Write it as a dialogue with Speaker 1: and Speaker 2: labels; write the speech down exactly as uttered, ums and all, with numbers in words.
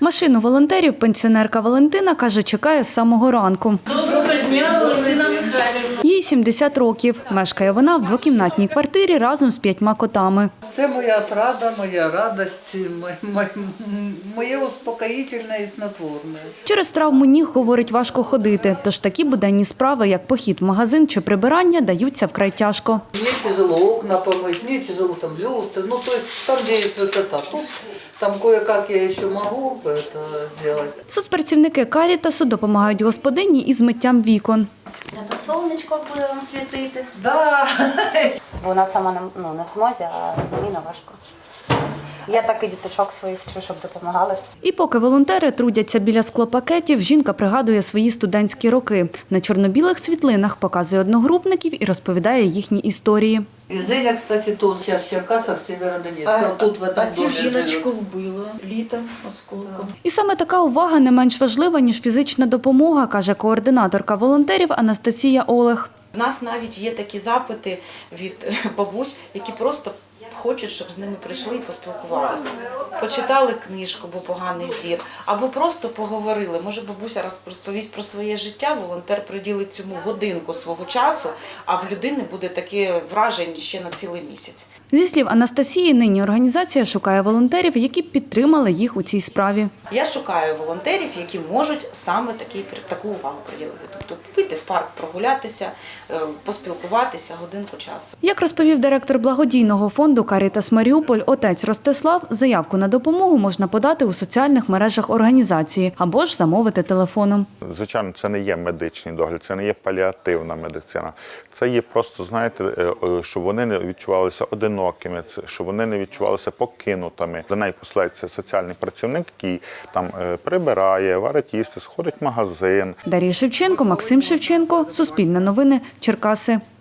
Speaker 1: Машину волонтерів пенсіонерка Валентина, каже, чекає з самого ранку.
Speaker 2: Доброго дня, Валентина Михайлівна.
Speaker 1: Їй сімдесят років. Мешкає вона в двокімнатній квартирі разом з п'ятьма котами.
Speaker 3: Це моя отрада, моя радість, моє, моє успокоїтельне і снотворне.
Speaker 1: Через травму ніг, говорить, важко ходити. Тож такі буденні справи, як похід в магазин чи прибирання, даються вкрай тяжко.
Speaker 3: Мені тяжело окна помыть, мені тяжело там люстры, ну то есть там, де є висота. Тут там кое-как я ще можу это сделать.
Speaker 1: Соцпрацівники Карітасу допомагають господині із миттям вікон.
Speaker 4: Зато сонечко буде вам світити.
Speaker 3: Да.
Speaker 4: Вона сама не, ну, не в змозі, а мені не важко. Я так і діточок своїх вчу, щоб допомагали.
Speaker 1: І поки волонтери трудяться біля склопакетів, жінка пригадує свої студентські роки. На чорно-білих світлинах показує одногрупників і розповідає їхні історії.
Speaker 3: І Женя, кстати, теж зараз в Черкасах, Сєвєродонецька. Тут в
Speaker 2: А
Speaker 3: этом
Speaker 2: цю
Speaker 3: домі
Speaker 2: жіночку
Speaker 3: живе.
Speaker 2: вбило літом осколком.
Speaker 1: І саме така увага не менш важлива, ніж фізична допомога, каже координаторка волонтерів Анастасія Олег.
Speaker 5: У нас навіть є такі запити від бабусь, які просто хочуть, щоб з ними прийшли і поспілкувалися. Почитали книжку, бо поганий зір, або просто поговорили. Може, бабуся розповість про своє життя, волонтер приділить цьому годинку свого часу, а в людини буде таке враження ще на цілий місяць.
Speaker 1: Зі слів Анастасії, нині організація шукає волонтерів, які підтримали їх у цій справі.
Speaker 5: Я шукаю волонтерів, які можуть саме такі, таку увагу приділити. Тобто вийти в парк, прогулятися, поспілкуватися годинку часу.
Speaker 1: Як розповів директор благодійного фонду «Карітас Маріуполь» отець Ростислав, заявку на допомогу можна подати у соціальних мережах організації або ж замовити телефоном.
Speaker 6: Звичайно, це не є медичний догляд, це не є паліативна медицина. Це є просто, знаєте, щоб вони не відчувалися одинокими, щоб вони не відчувалися покинутими. До неї посилається соціальний працівник, який там прибирає, варить їсти, сходить в магазин.
Speaker 1: Дар'я Шевченко, Максим Шевченко, Суспільне новини, Черкаси.